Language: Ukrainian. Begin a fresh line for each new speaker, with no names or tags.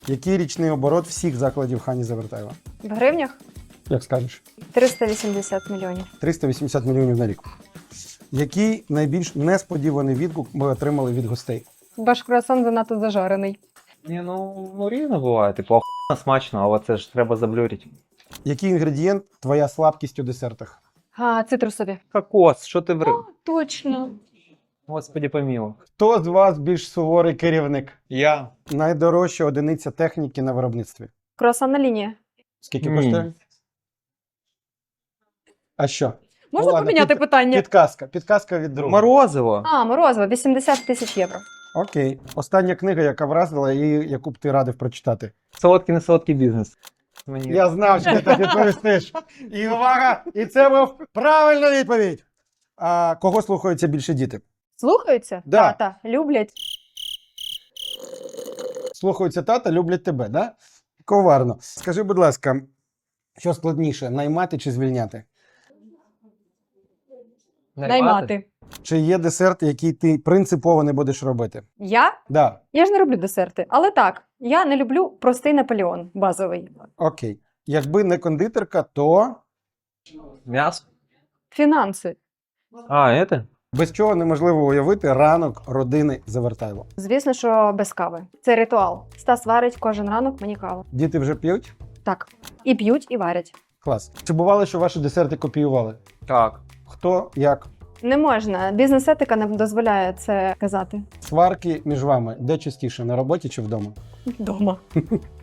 Який річний оборот всіх закладів Хані Завертаєва?
В гривнях
Як скажеш?
380 мільйонів.
380 мільйонів на рік. Який найбільш несподіваний відгук ми отримали від гостей?
Ваш круасан занадто зажарений.
Ні, ну різно буває. Типу, охуєнно смачно, але це ж треба заблюрити.
Який інгредієнт твоя слабкість у десертах?
Цитрусові.
Кокос, що ти врив?
Точно.
Господи помілуй.
Хто з вас більш суворий керівник?
Я.
Найдорожча одиниця техніки на виробництві?
Круасанна лінія.
Скільки
Ні.
коштує? А що?
Можна
ладно,
поміняти питання?
Підказка від друга.
Морозиво.
Морозиво, 80 тисяч євро.
Окей. Остання книга, яка вразила і яку б ти радив прочитати.
Солодкий не солодкий бізнес. Мені.
Я знав, що ти так відповістиш. І увага! І це був правильна відповідь. А кого слухаються більше діти?
Слухаються?
Да.
Тата, люблять.
Слухаються тата, люблять тебе, да? Коварно. Скажи, будь ласка, що складніше, наймати чи звільняти?
Наймати.
Чи є десерт, який ти принципово не будеш робити?
Я?
Да.
Я ж не роблю десерти. Але так, я не люблю простий Наполеон, базовий.
Окей. Якби не кондитерка, то
М'ясо?
Фінанси.
Это?
без чого неможливо уявити ранок родини Завертайло.
Звісно, що без кави. Це ритуал. Стас варить кожен ранок мені каву.
Діти вже п'ють?
Так. І п'ють, і варять.
Клас. Чи бувало, що ваші десерти копіювали?
Так.
Хто, як?
Не можна. Бізнес-етика не дозволяє це казати.
Сварки між вами де частіше, на роботі чи вдома?
Дома.